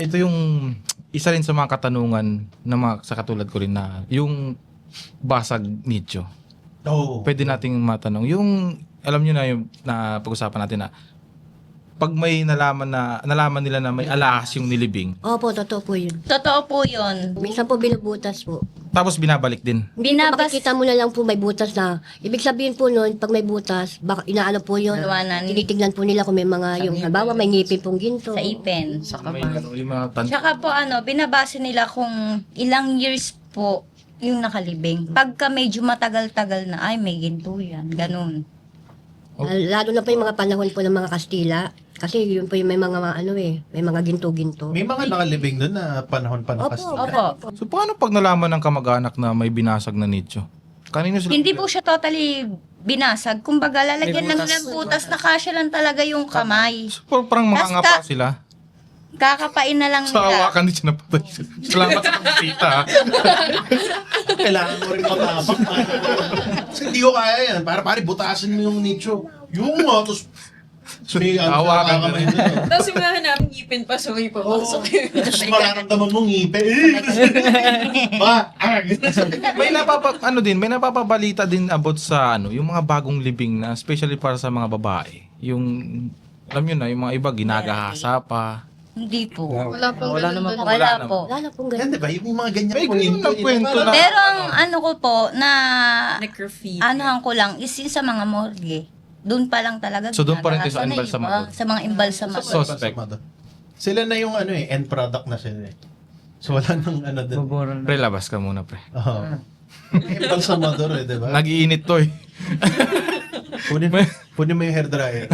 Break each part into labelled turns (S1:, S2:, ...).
S1: ito yung isa rin sa mga katanungan na sa katulad ko rin na yung basag nicho.
S2: Oo.
S1: Pwede nating matanong. Yung, alam nyo na yung na pag-usapan natin na pag may nalaman nila na may alahas yung nilibing,
S3: Opo, totoo po yun.
S4: Totoo po yun.
S3: Minsan po binubutas po.
S1: tapos binabalik din.
S3: Makikita mo na lang po may butas na. Ibig sabihin po nun, pag may butas, baka inaano po yun.
S4: Iwanan.
S3: Tinitignan po nila kung may mga, yung halimbawa may ngipin pong ginto.
S4: Sa ipin.
S1: May yung mga
S4: Tsaka po binabase nila kung ilang years po yung nakalibing. Pagka medyo matagal-tagal na, ay may ginto yan. Ganun.
S3: Lalo na po yung mga panahon po ng mga Kastila. Kasi yun po yung may mga may mga ginto-ginto.
S2: May mga nakalibing doon na panahon pa ng
S3: Opo,
S2: Kastila.
S4: Opo.
S1: So paano pag nalaman ng kamag-anak na may binasag na nicho? Kanino sila?
S4: Hindi po siya totally binasag. Kumbaga, lalagyan lang ng butas na kasya lang talaga yung kamay.
S1: So, parang makanga pa sila.
S4: Kakapain na lang
S1: Sa
S4: nila.
S1: hawakan din siya napatay. Salamat sa pagkita.
S2: Kailangan mo rin matapang. Kasi hindi ko kaya yan. Para pare, butasin mo yung nicho. Yung nga, tapos may
S1: Hawakan ka
S2: kamay
S1: rin.
S2: na.
S5: Tapos yung nahanapin ngipin pa, so may papasok.
S2: Tapos mararamdaman mong ngipin. Ba?
S1: May may napapabalita din about sa yung mga bagong libing na especially para sa mga babae. Yung alam niyo na, yung mga iba ginagahasa pa.
S4: Hindi po.
S6: Wala pong
S7: Wala
S6: ganun
S7: naman
S6: doon.
S4: Wala po.
S3: Wala na pong
S2: Yan,
S3: ganun.
S2: di ba? Yung mga ganyan
S1: May ganyan na kwento na.
S4: Pero ang ano ko po, na
S5: Necrophilia.
S4: anuhan ko lang, is yun sa mga morgue. Doon pa lang talaga.
S1: So, doon pa rin tayo sa
S4: ginagahasa na
S1: embalsamador.
S4: iba, Sa mga embalsamador.
S1: Suspect.
S2: Sila na yung end product na sila eh. So wala nang doon.
S7: Buburan
S1: Pre, labas ka muna, pre.
S2: Oo. Embalsamador eh, di ba?
S1: Nag-iinit to eh.
S2: Punin mo yung hairdryer.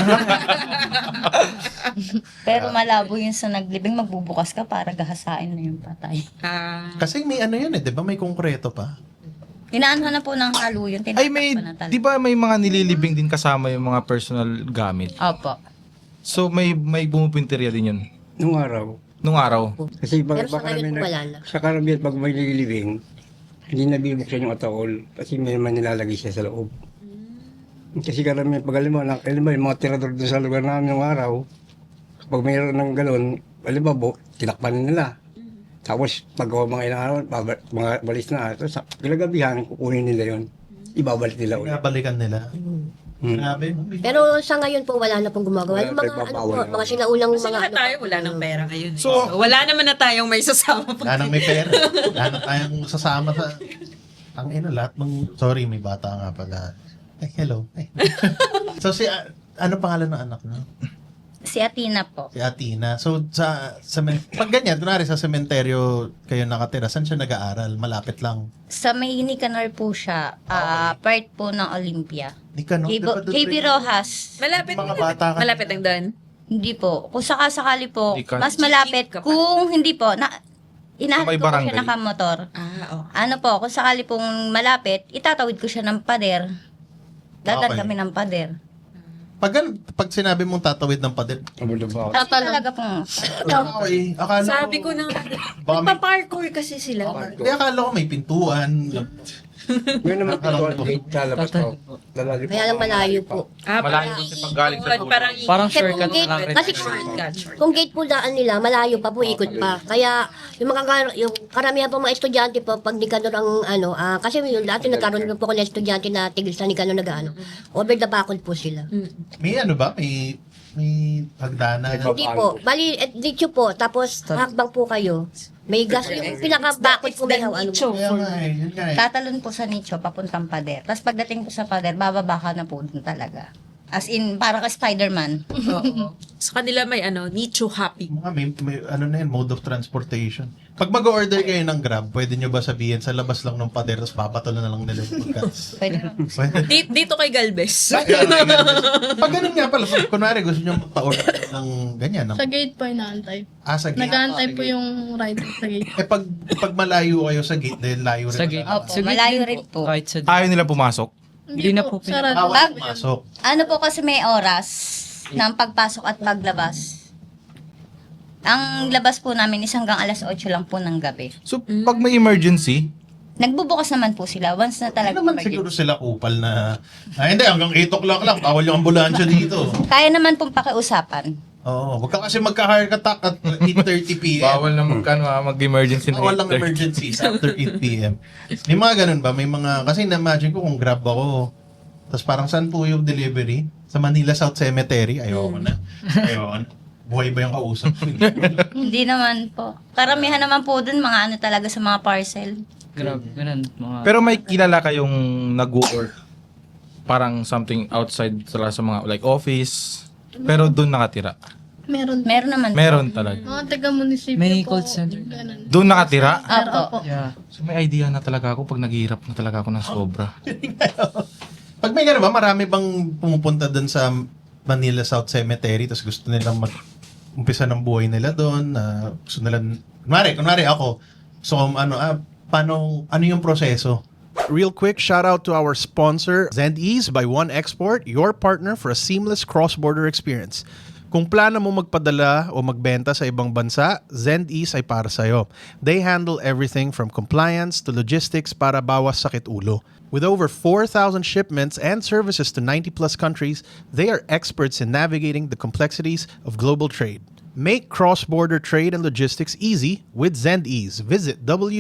S4: Pero malabo yun sa naglibing, magbubukas ka para gahasain na yung patay.
S2: Kasi may yun eh, di ba? May konkreto pa.
S4: Inaanhan na po ng halo yun.
S1: Ay, may,
S4: tinatakpan na talaga.
S1: di ba may mga nililibing din kasama yung mga personal gamit?
S4: Opo.
S1: So, may bumupinteriya din yun.
S7: nung araw.
S1: Nung araw.
S7: Kasi
S3: Pero sa ngayon po wala na.
S7: sa karamihan pag may nililibing, hindi na bibuksan yung ataol kasi may naman nilalagay siya sa loob. Kasi karamihan pag alam mo, yung mga tirador doon sa lugar namin nung araw, kapag mayroon ng galon, alam mo, tinakpan nila. Tapos pag mga ilang araw, mga balis na, tapos pinagabihan, kukunin nila yon, ibabalik nila ulit.
S2: Balikan nila. Grabe.
S3: Pero sa ngayon po wala na pong gumagawa.
S7: Wala
S3: Yung
S7: na
S3: mga
S7: pagbabawal na.
S3: mga sinaunang
S5: Kasi
S3: mga
S5: lahat tayo, wala nang pera ngayon.
S1: So,
S5: wala naman na tayong may sasama pa.
S2: Wala nang may pera. Wala nang tayong sasama sa... Ang lahat ng... Sorry, may bata nga pala. Ay, hello. Ay. So, ano pangalan ng anak mo?
S4: Si Athena po.
S2: Si Athena. So, pag ganyan, kunwari sa sementeryo kayo nakatira, saan siya nag-aaral? Malapit lang.
S4: Sa may Nicanor po siya, part po ng Olympia.
S2: Di ka, no? Di ba doon
S4: KB
S2: rin-
S4: Rojas.
S5: Malapit,
S2: Mga bata ka.
S5: malapit ang doon.
S4: Hindi po. Kung sakasakali po,
S1: Hindi ka-
S4: mas malapit.
S5: Ka pa.
S4: Kung hindi po, inahat
S1: May
S4: ko po siya
S1: barangay.
S4: nakamotor.
S5: Oh.
S4: Ano po, kung sakali pong malapit, itatawid ko siya ng pader. Dadaan
S2: Okay.
S4: kami ng pader.
S2: Pag sinabi mong tatawid ng pader,
S7: Abot na ba?
S4: Tapos talaga pong,
S2: okay, akala
S5: Sabi ko na,
S2: baka may,
S5: nagpa-parkour kasi sila.
S2: hindi, akala ko may pintuan.
S7: Ngayon naman ito, gate sa labas ko. Lalali
S3: Kaya lang malayo po.
S1: Malayo kasi pag galing sa dulo.
S7: Parang
S3: Kasi
S7: shortcut
S3: kung gate,
S7: na lang rin.
S3: kasi kung gate po daan nila, malayo pa po, ikot pa. Kaya yung karamihan po mga estudyante po, pag Nicanor ang kasi yung dati nagkaroon po ako ng estudyante na tigil sa Nicanor over the bakod po sila.
S2: May ba? May hagdanan.
S3: Hindi po, bali, dito po, tapos hakbang po kayo. May gas, yung pinaka-bakod po may
S2: Kaya nga eh, yun nga eh.
S4: tatalon po sa nicho, papuntang pader. Tapos pagdating po sa pader, bababa ka na po dun talaga. As in, para ka Spider-Man.
S5: Oo. Sa kanila may nicho happy.
S2: May mode of transportation. Pag mag-order kayo ng Grab, pwede nyo ba sabihin sa labas lang ng pader, tapos babato na lang nila yung pagkas?
S4: Pwede na.
S2: Pwede.
S5: Dito kay Galvez.
S2: Pag ganun nga pala, kunwari gusto nyo magpa-order ng ganyan.
S6: Sa gate po inaantay.
S2: Sa gate.
S6: Nag-aantay po yung rider sa gate.
S2: Pag malayo kayo sa gate, dahil layo rin.
S7: Sa gate.
S2: talaga.
S4: Opo, malayo rin po.
S7: Kahit sa
S1: Ayaw nila pumasok.
S7: Hindi na po
S6: sarado.
S2: Bawal pumasok.
S4: Ano po kasi may oras ng pagpasok at paglabas. Ang labas po namin is hanggang alas 8 lang po ng gabi.
S1: So, pag may emergency,
S4: Nagbubukas naman po sila once na
S2: Hindi
S4: talaga
S2: naman
S4: emergency.
S2: siguro sila kupal na, hindi, hanggang 8 o'clock lang, bawal yung ambulansya dito.
S4: Kaya naman pong pakiusapan.
S2: Oo, wag ka kasi magka-heart attack at 8:30 p.m.
S1: Bawal na mag-emergency na
S2: Walang
S1: 8:30.
S2: emergencies after 8 p.m. May mga ganun ba? May mga, kasi na-imagine ko kung grab ako, tapos parang saan po yung delivery? Sa Manila South Cemetery? Ayoko na. Ayoko na. Buhay ba yung kausap?
S4: Hindi naman po. Karamihan naman po dun, mga ano talaga sa mga parcel.
S8: Grabe, ganun. Mga...
S1: Pero may kilala kayong nag-work parang something outside sa mga like office, pero doon nakatira.
S6: Meron.
S4: Meron naman po.
S1: Meron talaga.
S6: Mga taga-munisipyo
S8: May
S6: po.
S8: call center.
S6: Ganun.
S1: Doon nakatira?
S6: Pero
S4: Opo.
S6: opo.
S8: Yeah.
S1: So may idea na talaga ako pag naghihirap na talaga ako ng sobra.
S2: Pag may ganun ba, marami bang pumupunta doon sa Manila South Cemetery tapos gusto nilang mag-umpisa ng buhay nila doon, na gusto nila, kunwari ako, so paano, ano yung proseso?
S9: Real quick, shout out to our sponsor, ZendEase by One Export, your partner for a seamless cross-border experience. Kung plano mo magpadala o magbenta sa ibang bansa, ZendEase ay para sa'yo. They handle everything from compliance to logistics para bawas sakit ulo. With over 4,000 shipments and services to 90 plus countries, they are experts in navigating the complexities of global trade. Make cross-border trade and logistics easy with ZendEase. Visit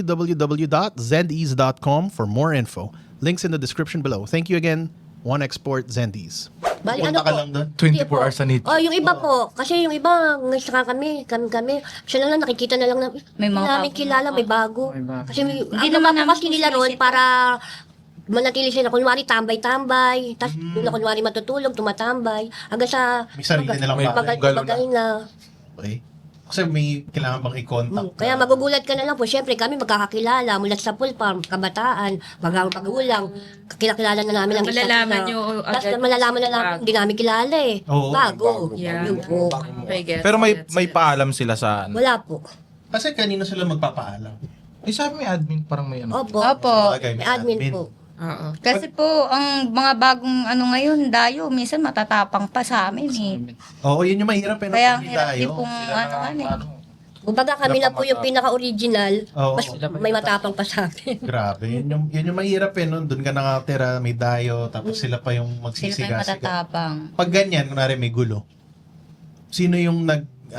S9: www.zendease.com for more info. Links in the description below. Thank you again, One Export ZendEase.
S3: Bali,
S2: Pupunta
S3: ano
S2: ka
S3: po?
S2: lang doon?
S1: 24 hours sa need.
S3: Oh, yung iba po. Kasi yung iba, saka kami. Siya lang nakikita na lang na,
S4: May mga
S3: namin
S4: bago.
S3: kilala, may bago.
S8: May bago.
S3: Kasi may,
S4: Hindi
S3: ang
S4: naman
S3: naman
S4: namin
S3: kasi nila ron
S4: sinisita.
S3: para manatili sila. Kunwari, tambay-tambay. Tapos, doon na kunwari matutulog, tumatambay. Hanggang sa,
S2: May sarili nilang
S1: May-
S2: bahay.
S3: bagal na.
S2: Okay. Kasi may kailangan bang i-contact.
S3: Kaya magugulat ka na lang po. Siyempre, kami magkakakilala mula sa pulpam, kabataan, magulang. Kakilala na namin ang isa't
S5: Malalaman
S3: isa.
S5: nyo
S3: Tapos
S5: agad
S3: malalaman na namin,
S5: bago.
S3: hindi namin kilala eh.
S2: Oo,
S3: Bago.
S5: Yeah.
S3: Yun po.
S5: Okay, gets,
S1: Pero may
S5: gets,
S1: may
S5: gets.
S1: paalam sila sa ano.
S3: Wala po.
S2: Kasi kanino sila magpapaalam?
S1: Eh sabi may admin parang may ano.
S3: Opo.
S4: Opo.
S2: Bagay,
S3: May admin po.
S5: Oo.
S4: Kasi po, ang mga bagong ano ngayon, dayo, minsan matatapang pa sa amin eh.
S2: Oo, yun yung mahirap eh.
S4: Kaya ang
S2: Pag
S4: hirap din
S2: tayo.
S4: pong ano eh.
S3: Kumbaga kami na po yung pinaka-original,
S2: Oo.
S3: mas may matapang pa sa amin.
S2: Grabe, yun yung mahirap eh, no? Doon ka nakatira, may dayo, tapos sila pa yung
S4: Sila pa yung
S2: magsisigasig.
S4: matatapang.
S2: Pag ganyan, kunwari may gulo, sino yung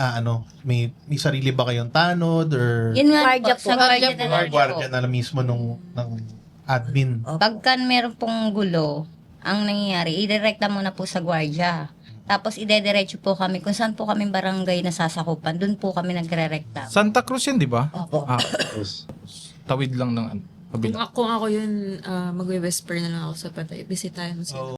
S2: may sarili ba kayong tanod or
S4: Yun nga
S3: Guardia
S4: po,
S3: po.
S4: sa guardia
S6: Guardia
S4: na
S6: po.
S4: lang po.
S2: guardia na mismo ng admin?
S4: Pagka meron pong gulo, ang nangyayari, idirekta muna po sa guardia. Tapos idediretso po kami kung saan po kami barangay nasasakupan. Doon po kami nagre-rekta.
S1: Santa Cruz yun, di ba?
S3: Opo.
S1: Tawid lang ng ano.
S5: Kung ako yun, magwe-whisper na lang ako sa patay. Bisitahin mo sila.